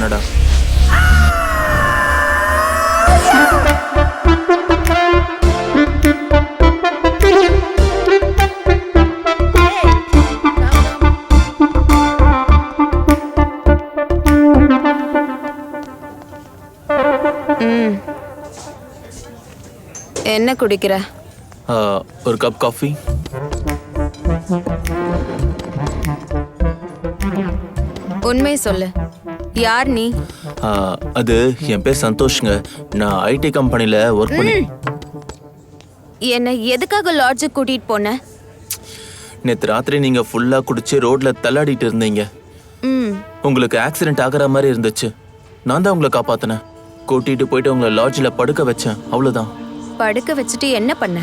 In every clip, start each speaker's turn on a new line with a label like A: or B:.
A: பண்ணடா.
B: என்ன குடிக்கிற?
A: ஒரு கப் காஃபி.
B: உண்மை சொல்லு, யார் நீ?
A: அது என் பேர் சந்தோஷ்ங்க. நான் ஐடி கம்பெனில ஒர்க் பண்ணி.
B: என்ன எதுக்காக லாட்ஜுக்கு கூட்டிட்டு போன?
A: நேற்று ராத்திரி நீங்க ஃபுல்லா குடிச்சு ரோட்ல தள்ளாடிட்டு இருந்தீங்க. உங்களுக்கு ஆக்சிடென்ட் ஆகிற மாதிரி இருந்துச்சு. நான் தான் உங்களை காப்பாத்தினேன். கூட்டிட்டு போயிட்டு உங்களை லாட்ஜில் படுக்க வச்சேன். அவ்வளவுதான்.
B: படுக்க வச்சுட்டு என்ன பண்ண?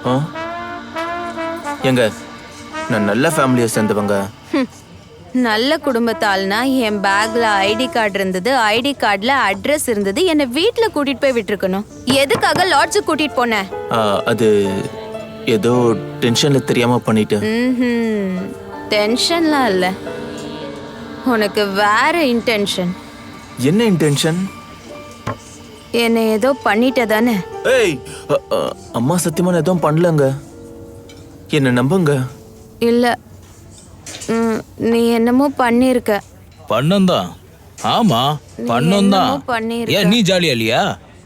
A: எங்க நான் நல்ல ஃபேமிலியை சேர்ந்தவங்க.
B: நல்ல குடும்பத்தால்னா என் பேக்ல ஐடி கார்டு இருந்தது, ஐடி கார்டுல அட்ரஸ் இருந்தது. என்ன வீட்ல கூட்டிட்டு போய் விட்டுருக்கணும். எதுக்காக லாட்ஜுக்கு கூட்டிட்டு போன?
A: அது ஏதோ டென்ஷன்ல தெரியாம பண்ணிட்டேன்.
B: டென்ஷன்லாம் இல்ல, உனக்கு வேற இன்டென்ஷன்.
A: என்ன இன்டென்ஷன்?
B: என்ன ஏதோ பண்ணிட்ட தானே?
A: ஏய், அம்மா சத்தியமா நான் எதுவும் பண்ணலங்க. என்ன நம்புங்க.
B: இல்ல, நீ என்னமோ பண்ணிருக்க.
C: பண்ணந்தான். ஆமா பண்ணந்தான். ஏன் நீ ஜாலியா இல்லையா?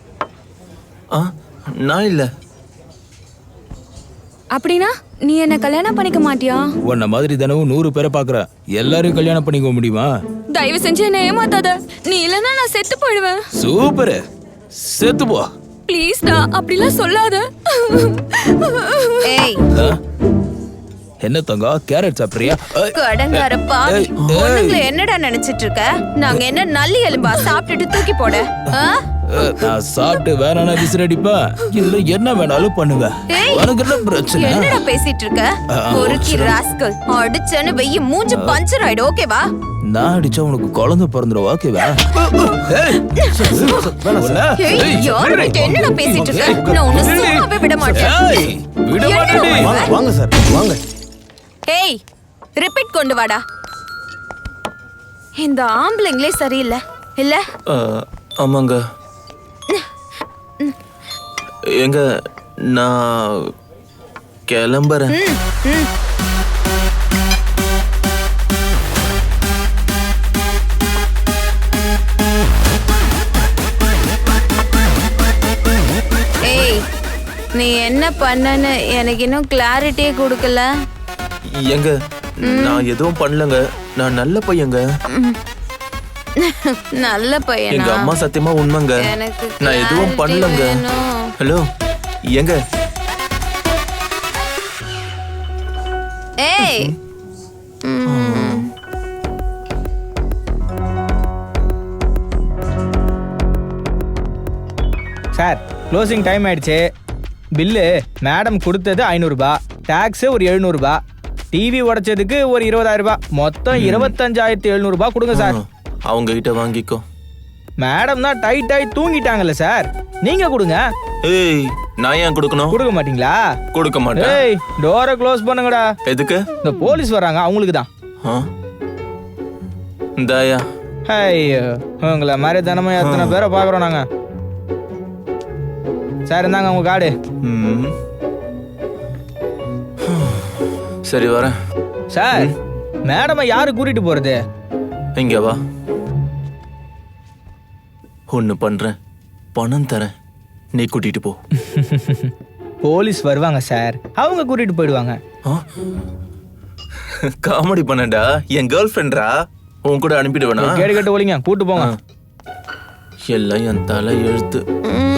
A: நான் இல்ல.
B: அப்படின்னா நீ என்ன கல்யாணம் பண்ணிக்க மாட்டியா?
C: உன்ன மாதிரி தினமும் 100 பேரை பாக்குற. எல்லாரையும் கல்யாணம் பண்ணிக்க முடியுமா?
B: தயவு செஞ்சு என்ன ஏமாத்தாத. நீ இல்லனா நான் செத்து போயிடுவேன்.
C: சூப்பர், செத்து போ.
B: ப்ளீஸ் டா, அப்படிலாம் சொல்லாத. ஏய்,
C: என்ன தங்கா, கேரட் சாப்பிடுறியா?
B: கடங்கார பாவி, பொண்ணுங்களை என்னடா நினைச்சிட்டு இருக்க? நாங்க என்ன நல்லி எலும்பா சாப்பிட்டுட்டு தூக்கி போட?
C: நான் சாப்பிட்டு வேணானா விசிறடிப்பேன், இல்ல என்ன வேணாலும் பண்ணுவேன். உனக்கு என்ன பிரச்சனை?
B: என்னடா பேசிட்டு இருக்க? ஒருக்கி ராஸ்கல், அடிச்சேன்னு வெய்ய மூஞ்சி பஞ்சர் ஆயிடும். ஓகேவா?
C: நான் அடிச்சா உனக்கு குழந்தை பிறந்துரும். ஓகேவா?
B: என்னடா பேசிட்டு இருக்க? நான் உன்னை சும்மாவே விட மாட்டேன்.
D: வாங்க சார், வாங்க.
B: ஏய், ரிப்பீட் கொண்டு வாடா. இந்த ஆம்பளைங்களே சரியில்லை இல்ல?
A: ஆமாங்க. எங்க நான் கிளம்புறேன்.
B: ஏய், நீ என்ன பண்ணன்னு எனக்கு இன்னும் கிளாரிட்டியே கொடுக்கல.
A: எங்க நான் எதுவும் பண்ணலங்க. நான் நல்ல பையங்க.
B: நல்ல பையனா?
A: எங்க அம்மா சத்தியமா உண்மைங்க. நான் எதுவும் பண்ணலங்க. ஹலோ எங்க?
B: ஏய்,
D: சார், க்ளோசிங் டைம் ஆயிடுச்சு. பில்லு மேடம் கொடுத்தது 500 ரூபாய், டாக்ஸ் ஒரு 700 ரூபாய், டிவி உடைச்சதுக்கு ஒரு 20,000 ரூபாய், மொத்தம் 25,700 ரூபாய் கொடுங்க சார்.
A: அவங்க கிட்ட வாங்கிக்கோ.
D: மேடம் தான் டைட் ஆகி தூங்கிட்டாங்கல்ல சார், நீங்க கொடுங்க.
A: ஏய், நான் ஏன் கொடுக்கணும்?
D: கொடுக்க மாட்டீங்களா?
A: கொடுக்க மாட்டேன்.
D: ஏய், டோரை க்ளோஸ் பண்ணுங்கடா.
A: எதுக்கு?
D: இந்த போலீஸ் வராங்க, அவங்களுக்கு தான்.
A: இந்தாயா.
D: ஐயோ, உங்களை மாதிரி தினமும் எத்தனை பேரை பார்க்குறோம் நாங்க. சார், இருந்தாங்க உங்க கார்டு.
A: சரி வரேன்.
D: சார், மேடமை யாரு கூட்டிட்டு போறது?
A: இங்க வா. ஒண்ணு பண்றேன், பணம் தரேன், நீ கூட்டிட்டு போ.
D: போலீஸ் வருவாங்க சார், அவங்க கூட்டிட்டு போயிடுவாங்க.
A: காமெடி பண்ணடா. என் கேர்ள் ஃப்ரெண்ட்ரா, உன் கூட அனுப்பிடுவேனா?
D: கேடு கட்டு ஒலிங்க, கூட்டு போங்க.
A: எல்லாம் என் தலை எழுத்து.